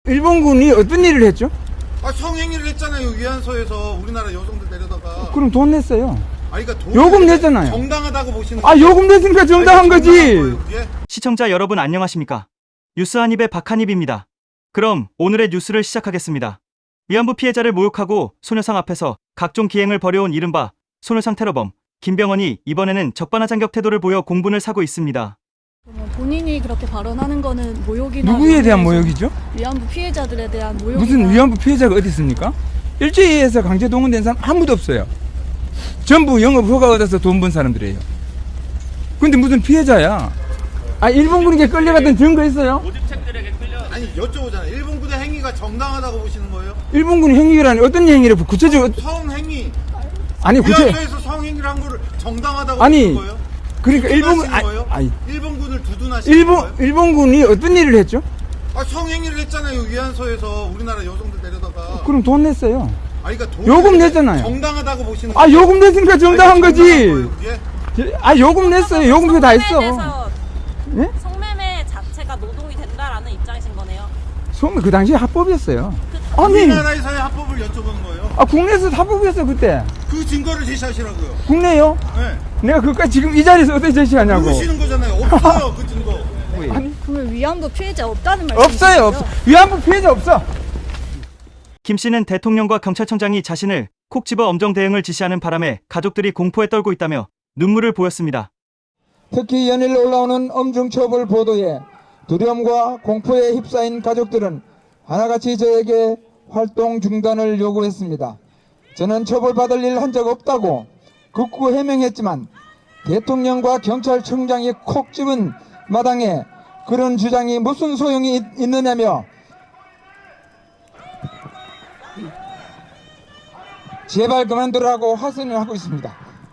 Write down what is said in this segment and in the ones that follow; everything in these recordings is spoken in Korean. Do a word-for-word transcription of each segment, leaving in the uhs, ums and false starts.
일본군이 어떤 일을 했죠? 아, 성행위를 했잖아요. 위안소에서 우리나라 여성들 데려다가. 그럼 돈 냈어요. 아니, 그러니까 요금 냈잖아요. 정당하다고 보시는 아, 요금 냈으니까 정당한 거지. 예? 시청자 여러분 안녕하십니까? 뉴스 한입의 박한입입니다. 그럼 오늘의 뉴스를 시작하겠습니다. 위안부 피해자를 모욕하고 소녀상 앞에서 각종 기행을 벌여온 이른바 소녀상 테러범 김병헌이 이번에는 적반하장격 태도를 보여 공분을 사고 있습니다. 본인이 그렇게 발언하는 거는 모욕이나 누구에 대한 모욕이죠? 위안부 피해자들에 대한 모욕. 무슨 위안부 피해자가 어디 있습니까? 일제히에서 강제 동원된 사람 아무도 없어요. 전부 영업 허가 얻어서 돈 번 사람들이에요. 근데 무슨 피해자야? 아, 일본군에게 끌려갔던 증거 있어요? 모집책들에게 끌려. 아니, 여쭤보잖아요. 일본군의 행위가 정당하다고 보시는 거예요? 일본군이 행위라니 어떤 행위를 구체적으로 성행위. 아니 구체 위안소에서 성행위를 한 거를 정당하다고 아니, 보시는 거예요? 그러니까 일본군 아니, 거예요? 아니 일본군을 두둔하시는 일본 거예요? 일본군이 어떤 일을 했죠? 아, 성행위를 했잖아요. 위안소에서 우리나라 여성들 데려다가. 그럼 돈 냈어요. 아니, 그러니까 돈 요금 냈잖아요. 정당하다고 보시는 아, 요금 냈으니까 정당한 거지. 거예요, 그게? 아, 요금 냈어요. 요금표 다 했어. 네? 성매매 자체가 노동이 된다라는 입장이신 거네요. 소매 그 당시에 합법이었어요. 아니, 우리나라에서의 합법을 여쭤보는 거예요. 아, 국내에서 합법이었어 그때. 그 증거를 제시하시라고요. 국내요? 네. 내가 그까지 지금 이 자리에서 어떻게 제시하냐고. 모르시는 거잖아요. 없어요, 그 증거. 아니, 그러면 위안부 피해자 없다는 말씀이시죠? 없어요, 없어. 위안부 피해자 없어. 김 씨는 대통령과 경찰청장이 자신을 콕 집어 엄정 대응을 지시하는 바람에 가족들이 공포에 떨고 있다며 눈물을 보였습니다. 특히 연일 올라오는 엄중처벌 보도에 두려움과 공포에 휩싸인 가족들은 하나같이 저에게 활동 중단을 요구했습니다. 저는 처벌받을 일 한 적 없다고 극구 해명했지만 대통령과 경찰청장이 콕 집은 마당에 그런 주장이 무슨 소용이 있, 있느냐며 제발 그만두라고 하선을 하고 있습니다.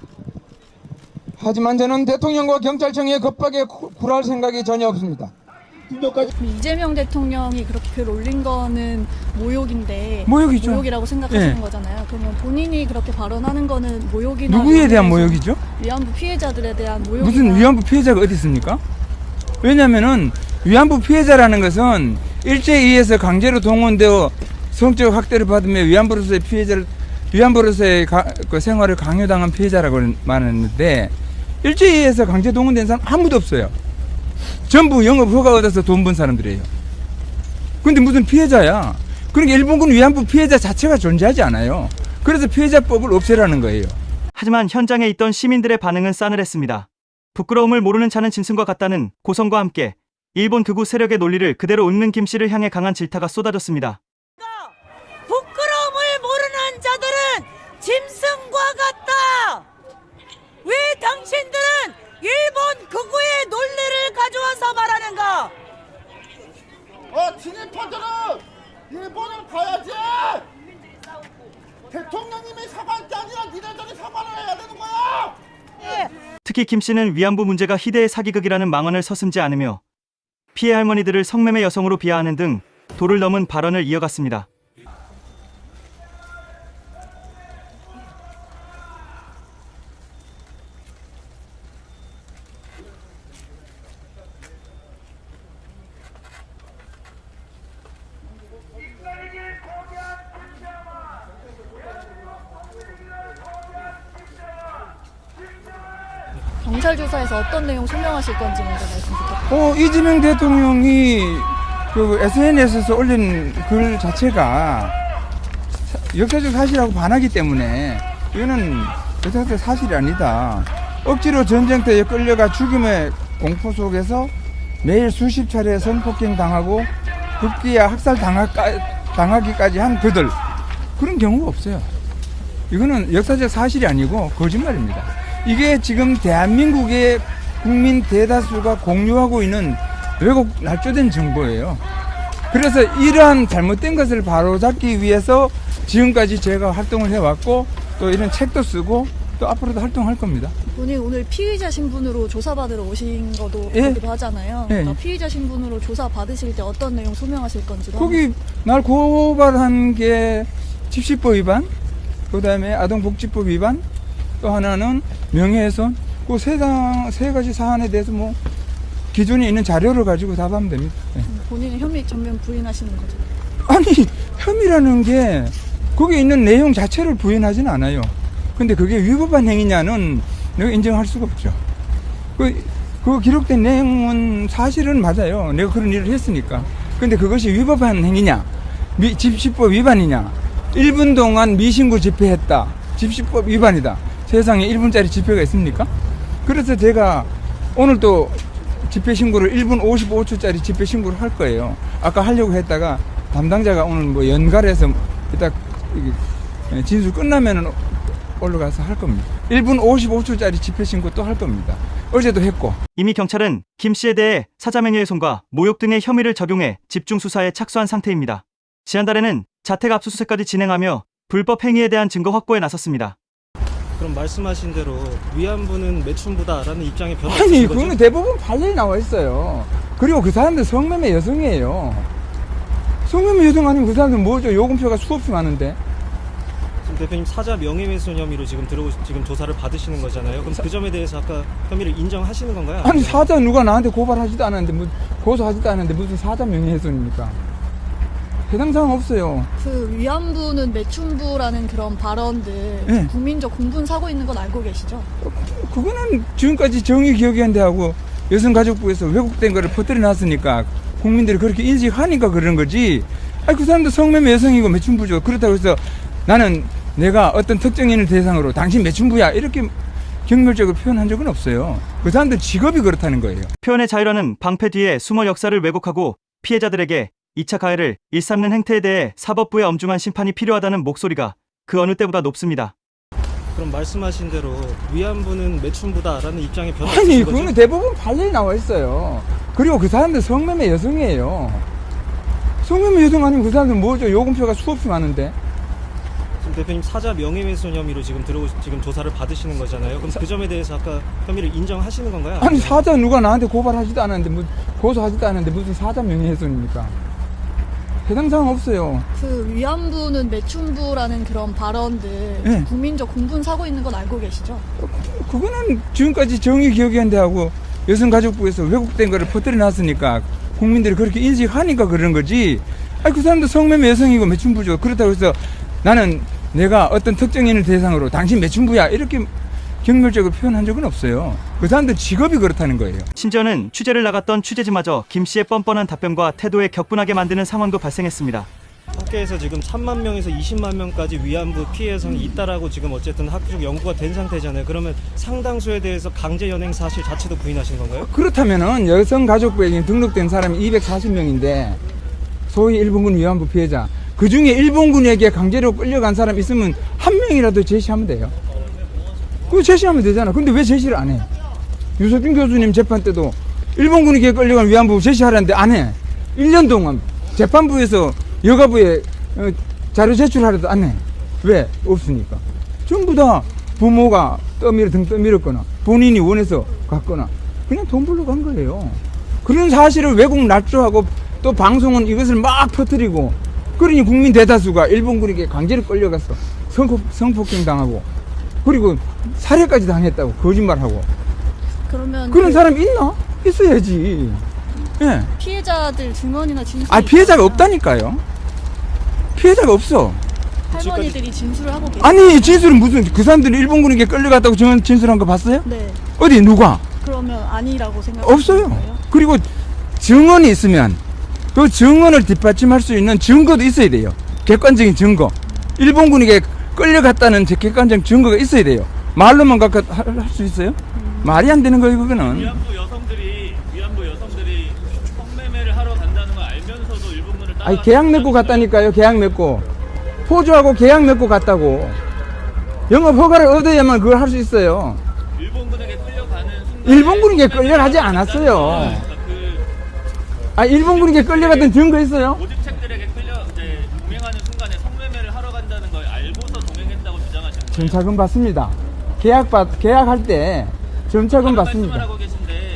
하지만 저는 대통령과 경찰청의 겁박에 굴할 생각이 전혀 없습니다. 이재명 대통령이 그렇게 글 올린 거는 모욕인데 모욕이죠. 모욕이라고 생각하시는 네. 거잖아요. 그러면 본인이 그렇게 발언하는 거는 모욕이나 누구에 대한 위안부에서 모욕이죠? 위안부 피해자들에 대한 모욕. 무슨 위안부 피해자가 어디 있습니까? 왜냐면은 위안부 피해자라는 것은 일제히에서 강제로 동원되어 성적 학대를 받으며 위안부로서의 피해자를 위안부로서의 가, 그 생활을 강요당한 피해자라고 말했는데 일제히에서 강제 동원된 사람 아무도 없어요. 전부 영업 허가 얻어서 돈 번 사람들이에요. 근데 무슨 피해자야? 그러니까 일본군 위안부 피해자 자체가 존재하지 않아요. 그래서 피해자법을 없애라는 거예요. 하지만 현장에 있던 시민들의 반응은 싸늘했습니다. 부끄러움을 모르는 차는 짐승과 같다는 고성과 함께 일본 극우 세력의 논리를 그대로 읊는 김 씨를 향해 강한 질타가 쏟아졌습니다. 부끄러움을 모르는 자들은 짐승과 같다. 왜 당신들은 일본 극우의 논리를 가져와서 말하는가? 어, 진입하들은 일본을 가야지. 대통령님이 사과할 게 아니라 니네들이 사과를 해야 되는 거야. 특히 김 씨는 위안부 문제가 희대의 사기극이라는 망언을 서슴지 않으며 피해 할머니들을 성매매 여성으로 비하하는 등 도를 넘은 발언을 이어갔습니다. 경찰 조사에서 어떤 내용 소명하실 건지 먼저 말씀 부탁드립니다. 어, 이재명 대통령이 그 에스엔에스에서 올린 글 자체가 역사적 사실하고 반하기 때문에 이거는 역사적 사실이 아니다. 억지로 전쟁터에 끌려가 죽임의 공포 속에서 매일 수십 차례 성폭행 당하고 급기야 학살 당하기까지 한 그들, 그런 경우가 없어요. 이거는 역사적 사실이 아니고 거짓말입니다. 이게 지금 대한민국의 국민 대다수가 공유하고 있는 왜곡 날조된 정보예요. 그래서 이러한 잘못된 것을 바로잡기 위해서 지금까지 제가 활동을 해왔고 또 이런 책도 쓰고 또 앞으로도 활동할 겁니다. 본인 오늘 피의자 신분으로 조사받으러 오신 거도 예. 거기도 하잖아요. 예. 그러니까 피의자 신분으로 조사 받으실 때 어떤 내용 소명하실 건지도. 거기 날 고발한 게 집시법 위반, 그 다음에 아동복지법 위반, 또 하나는 명예훼손, 그 세 세 가지 사안에 대해서 뭐 기존에 있는 자료를 가지고 답하면 됩니다. 네. 본인은 혐의 전면 부인하시는 거죠? 아니, 혐의라는 게 거기에 있는 내용 자체를 부인하진 않아요. 근데 그게 위법한 행위냐는 내가 인정할 수가 없죠. 그, 그 기록된 내용은 사실은 맞아요. 내가 그런 일을 했으니까. 근데 그것이 위법한 행위냐, 미, 집시법 위반이냐, 일 분 동안 미신고 집회했다, 집시법 위반이다. 세상에 일 분짜리 집회가 있습니까? 그래서 제가 오늘 또 집회 신고를 일 분 오십오 초짜리 집회 신고를 할 거예요. 아까 하려고 했다가 담당자가 오늘 뭐 연갈해서 이따 진술 끝나면은 올라가서 할 겁니다. 일 분 오십오 초짜리 집회 신고 또 할 겁니다. 어제도 했고. 이미 경찰은 김 씨에 대해 사자명예훼손과 모욕 등의 혐의를 적용해 집중 수사에 착수한 상태입니다. 지난달에는 자택 압수수색까지 진행하며 불법 행위에 대한 증거 확보에 나섰습니다. 그럼 말씀하신 대로 위안부는 매춘부다라는 입장에 변화 아니, 없으신 거죠? 그거는 대부분 판례에 나와 있어요. 그리고 그 사람들 성매매 여성이에요. 성매매 여성 아니면 그 사람들 뭐죠? 요금표가 수없이 많은데. 지금 대표님 사자 명예훼손 혐의로 지금 들어오 지금 조사를 받으시는 거잖아요. 그럼 그 점에 대해서 아까 혐의를 인정하시는 건가요? 아니, 사자 누가 나한테 고발하지도 않았는데, 뭐, 고소하지도 않았는데 무슨 사자 명예훼손입니까? 해당 사항 없어요. 그 위안부는 매춘부라는 그런 발언들 네. 국민적 공분 사고 있는 건 알고 계시죠? 그거는 지금까지 정의기억위원회하고 여성가족부에서 왜곡된 거를 퍼뜨려 놨으니까 국민들이 그렇게 인식하니까 그런 거지. 아니, 그 사람도 성매매 여성이고 매춘부죠. 그렇다고 해서 나는 내가 어떤 특정인을 대상으로 당신 매춘부야 이렇게 경멸적으로 표현한 적은 없어요. 그 사람들 직업이 그렇다는 거예요. 표현의 자유라는 방패 뒤에 숨어 역사를 왜곡하고 피해자들에게 이 차 가해를 일삼는 행태에 대해 사법부의 엄중한 심판이 필요하다는 목소리가 그 어느 때보다 높습니다. 그럼 말씀하신 대로 위안부는 매춘부다라는 입장에 변화 아니, 없으신 거죠? 그거는 대부분 판례에 나와 있어요. 그리고 그 사람들 성매매 여성이에요. 성매매 여성 아니면 그 사람들 뭐죠? 요금표가 수없이 많은데. 지금 대표님 사자 명예훼손 혐의로 지금 들어오 지금 조사를 받으시는 거잖아요. 그럼 그 점에 대해서 아까 혐의를 인정하시는 건가요? 아니, 사자 누가 나한테 고발하지도 않았는데, 뭐, 고소하지도 않았는데 무슨 사자 명예훼손입니까? 해당 사항 없어요. 그 위안부는 매춘부라는 그런 발언들 네. 국민적 공분 사고 있는 건 알고 계시죠? 그거는 지금까지 정의기억위원회하고 여성가족부에서 왜곡된 거를 퍼뜨려 놨으니까 국민들이 그렇게 인식하니까 그런 거지. 아니, 그 사람도 성매매 여성이고 매춘부죠. 그렇다고 해서 나는 내가 어떤 특정인을 대상으로 당신 매춘부야 이렇게 경멸적으로 표현한 적은 없어요. 그 사람들 직업이 그렇다는 거예요. 심지어는 취재를 나갔던 취재진마저 김 씨의 뻔뻔한 답변과 태도에 격분하게 만드는 상황도 발생했습니다. 학계에서 지금 삼만 명에서 이십만 명까지 위안부 피해 여성이 있다라고 지금 어쨌든 학적 연구가 된 상태잖아요. 그러면 상당수에 대해서 강제 연행 사실 자체도 부인하신 건가요? 그렇다면은 여성가족부에 등록된 사람이 이백사십 명인데 소위 일본군 위안부 피해자 그 중에 일본군에게 강제로 끌려간 사람 있으면 한 명이라도 제시하면 돼요. 그거 제시하면 되잖아. 근데 왜 제시를 안 해? 유석준 교수님 재판 때도 일본군에게 끌려간 위안부 제시하라는데 안 해. 일 년 동안 재판부에서 여가부에 어, 자료 제출하려도 안 해. 왜? 없으니까. 전부 다 부모가 떠밀어 등 떠밀었거나 본인이 원해서 갔거나 그냥 돈 벌러 간 거예요. 그런 사실을 왜곡 날조하고 또 방송은 이것을 막 퍼뜨리고 그러니 국민 대다수가 일본군에게 강제로 끌려가서 성폭, 성폭행 당하고 그리고 살해까지 당했다고 거짓말하고 그러면 그런 그 사람이 있나? 있어야지. 예. 피해자들 증언이나 진술이 아, 피해자가 있다면 없다니까요. 피해자가 없어. 할머니들이 진술을 하고 계세요. 아니, 진술은 무슨 그 사람들이 일본군에게 끌려갔다고 전 진술한 거 봤어요? 네. 어디 누가? 그러면 아니라고 생각하시는 없어요. 거예요? 그리고 증언이 있으면 그 증언을 뒷받침할 수 있는 증거도 있어야 돼요. 객관적인 증거. 일본군에게 끌려갔다는 객관적 증거가 있어야 돼요. 말로만 할 수 있어요? 음. 말이 안 되는 거예요, 그거는. 위안부 여성들이 위안부 여성들이 성매매를 하러 간다는 걸 알면서도 일본군을 따라. 아니, 계약 맺고 갔다니까요. 계약 맺고 포주하고 계약 맺고 갔다고. 영업 허가를 얻어야만 그걸 할 수 있어요. 일본군에게 끌려가는 순간. 일본군에게 끌려가지 않았어요. 그 아, 일본군에게 끌려갔던 증거 있어요? 모집책들에게 끌려 이제 동행하는 순간에 성매매를 하러 간다는 걸 알고서 동행했다고 주장하시는 거예요. 점차금 받습니다. 계약 받 계약할 때 점차금 다른 받습니다. 말씀을 하고 계신데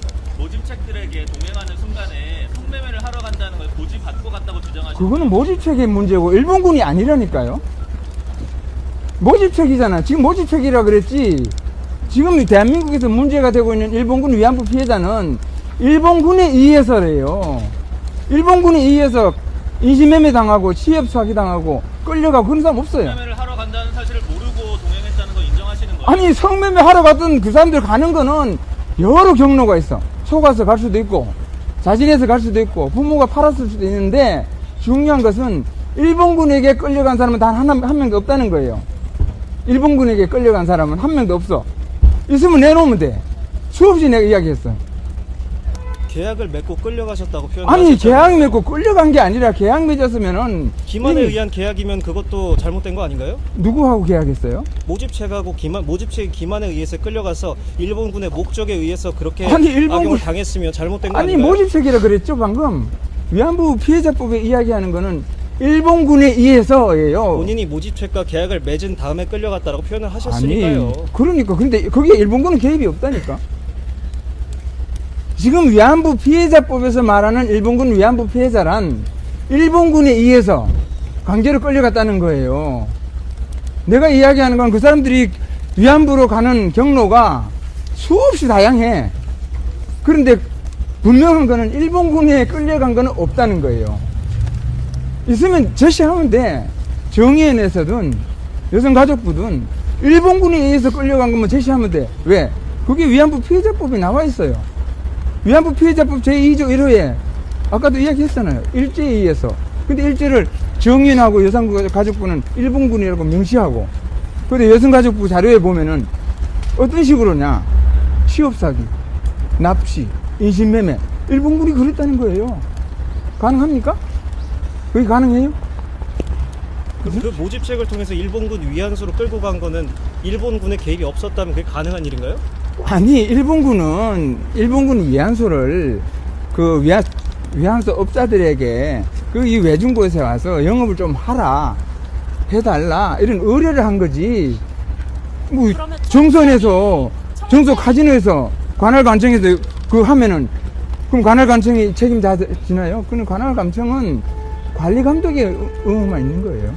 모집책들에게 동행하는 순간에 성매매를 하러 간다는 걸 고지 받고 갔다고 주장하시는 그거는 모집책의 문제고 일본군이 아니라니까요. 모집책이잖아. 지금 모집책이라 그랬지. 지금 대한민국에서 문제가 되고 있는 일본군 위안부 피해자는 일본군에 의해서래요. 일본군에 의해서 인신매매 당하고 취업 사기 당하고 끌려가고 그런 사람 없어요. 성매매를 하러 간다는 사실을 모르고 동행했다는 건 인정하시는 거예요? 아니 성매매 하러 갔던 그 사람들 가는 거는 여러 경로가 있어. 속아서 갈 수도 있고 자진해서 갈 수도 있고 부모가 팔았을 수도 있는데 중요한 것은 일본군에게 끌려간 사람은 단 한, 한 명도 없다는 거예요. 일본군에게 끌려간 사람은 한 명도 없어. 있으면 내놓으면 돼. 수없이 내가 이야기했어. 계약을 맺고 끌려가셨다고 아니 표현하셨잖아요. 계약 맺고 끌려간 게 아니라 계약 맺었으면은 기만에 이미 의한 계약이면 그것도 잘못된 거 아닌가요? 누구하고 계약했어요? 모집책하고 기만 모집책 기만에 의해서 끌려가서 일본군의 목적에 의해서 그렇게 아니, 일본군- 악용을 당했으면 잘못된 거 아니 아닌가요? 모집책이라 그랬죠 방금. 위안부 피해자법에 이야기하는 거는 일본군에 의해서예요. 본인이 모집책과 계약을 맺은 다음에 끌려갔다라고 표현을 아니 하셨으니까요. 그러니까 근데 거기에 일본군은 개입이 없다니까. 지금 위안부 피해자법에서 말하는 일본군 위안부 피해자란 일본군에 의해서 강제로 끌려갔다는 거예요. 내가 이야기하는 건 그 사람들이 위안부로 가는 경로가 수없이 다양해. 그런데 분명한 거는 일본군에 끌려간 거는 없다는 거예요. 있으면 제시하면 돼. 정의연에서든 여성가족부든 일본군에 의해서 끌려간 것만 제시하면 돼. 왜? 그게 위안부 피해자법에 나와 있어요. 위안부 피해자법 제이조 일 호에 아까도 이야기했잖아요. 일제에 의해서. 근데 일제를 정의연하고 여성가족부는 일본군이라고 명시하고, 근데 여성가족부 자료에 보면은 어떤 식으로냐? 취업사기, 납치, 인신매매. 일본군이 그랬다는 거예요. 가능합니까? 그게 가능해요? 그럼 그 모집책을 통해서 일본군 위안소로 끌고 간 거는 일본군의 개입이 없었다면 그게 가능한 일인가요? 아니 일본군은 일본군 위안소를 그 위안 위안소 업자들에게 그 이 외중고에서 와서 영업을 좀 하라 해달라 이런 의뢰를 한 거지. 뭐 그러면 정선에서 정서 카지노에서 관할관청에서 그 하면은 그럼 관할관청이 책임지나요? 그는 관할관청은 관리 감독의 의무만 있는 거예요.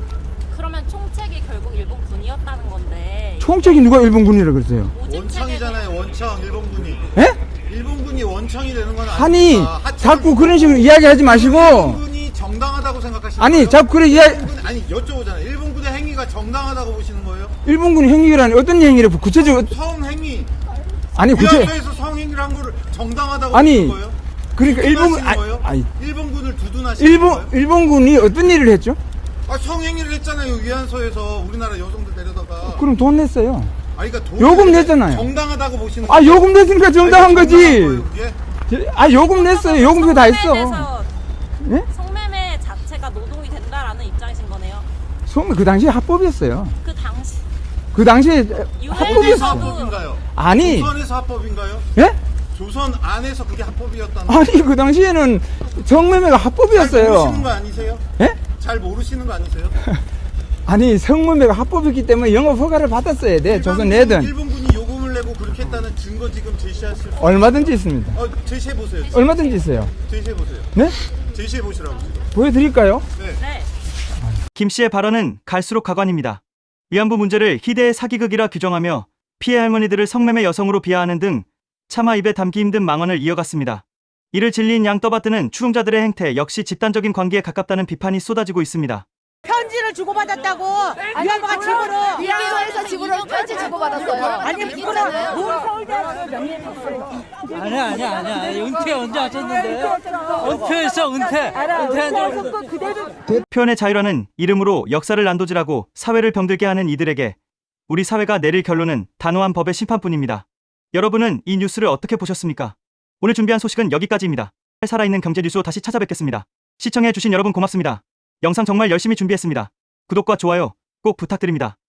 그러면 총책이 결국 일본군이었다는 건데 총책이 누가 일본군이라 그랬어요? 원청이잖아요. 원청 일본군이. 예? 일본군이 원청이 되는 건 아니 아닙니까? 하청은 자꾸 그런 식으로 이야기하지 마시고. 일본군이 정당하다고 생각하시는 아니 거예요? 자꾸 그래 이야기. 일본군, 아니 여쭤보잖아요. 일본군의 행위가 정당하다고 보시는 거예요? 일본군 행위라니 어떤 행위를 구체적으로 성행위. 아니 구체 위안소에서 성행위를 한 거를 정당하다고 아니, 보시는 거예요? 그러니까 일본군 두둔하시는 아니, 거예요? 아니 일본군을 두둔하시는 일본 거예요? 일본군이 어떤 일을 했죠? 아, 성행위를 했잖아요. 위안소에서 우리나라 여성들 데려다가. 그럼 돈 냈어요. 아니, 그러니까 돈 요금 냈잖아요. 정당하다고 보시는 아 요금 냈으니까 정당한 아니, 거지. 정당한 거예요, 그게? 아 요금 냈어요. 요금표 다 했어. 성매매에서 예? 성매매 자체가 노동이 된다라는 입장이신 거네요. 성- 그 당시에 합법이었어요. 그 당시 그 당시에 어디서 합법이었어. 합법인가요? 아니 조선에서 합법인가요? 예? 조선 안에서 그게 합법이었다는 아니 그 당시에는 성매매가 잘 합법이었어요. 모르시는 거 아니세요? 예? 잘 모르시는 거 아니세요? 아니 성매매가 합법이기 때문에 영업 허가를 받았어야 돼. 조선 내든 일본군이 요금을 내고 그렇게 했다는 증거 지금 제시하실 수 얼마든지 있습니다. 어, 제시해 보세요. 얼마든지 있어요. 제시해 보세요. 네? 제시해 보시라고 지금. 보여드릴까요? 네. 네. 김 씨의 발언은 갈수록 가관입니다. 위안부 문제를 희대의 사기극이라 규정하며 피해 할머니들을 성매매 여성으로 비하하는 등 차마 입에 담기 힘든 망언을 이어갔습니다. 이를 진리인 양 떠받드는 추종자들의 행태 역시 집단적인 관계에 가깝다는 비판이 쏟아지고 있습니다. 편지를 주고받았다고 위안부가 집으로 위안소에서 집으로 편지 주고받았어요. 아니 그거는 뭘 서울대학교 명예했어요. 아니야 아니야 아니야 은퇴 언제 하셨는데 은퇴했어 은퇴 은퇴한 적 표현의 자유라는 이름으로 역사를 난도질하고 사회를 병들게 하는 이들에게 우리 사회가 내릴 결론은 단호한 법의 심판뿐입니다. 여러분은 이 뉴스를 어떻게 보셨습니까? 오늘 준비한 소식은 여기까지입니다. 살아있는 경제 뉴스로 다시 찾아뵙겠습니다. 시청해주신 여러분 고맙습니다. 영상 정말 열심히 준비했습니다. 구독과 좋아요 꼭 부탁드립니다.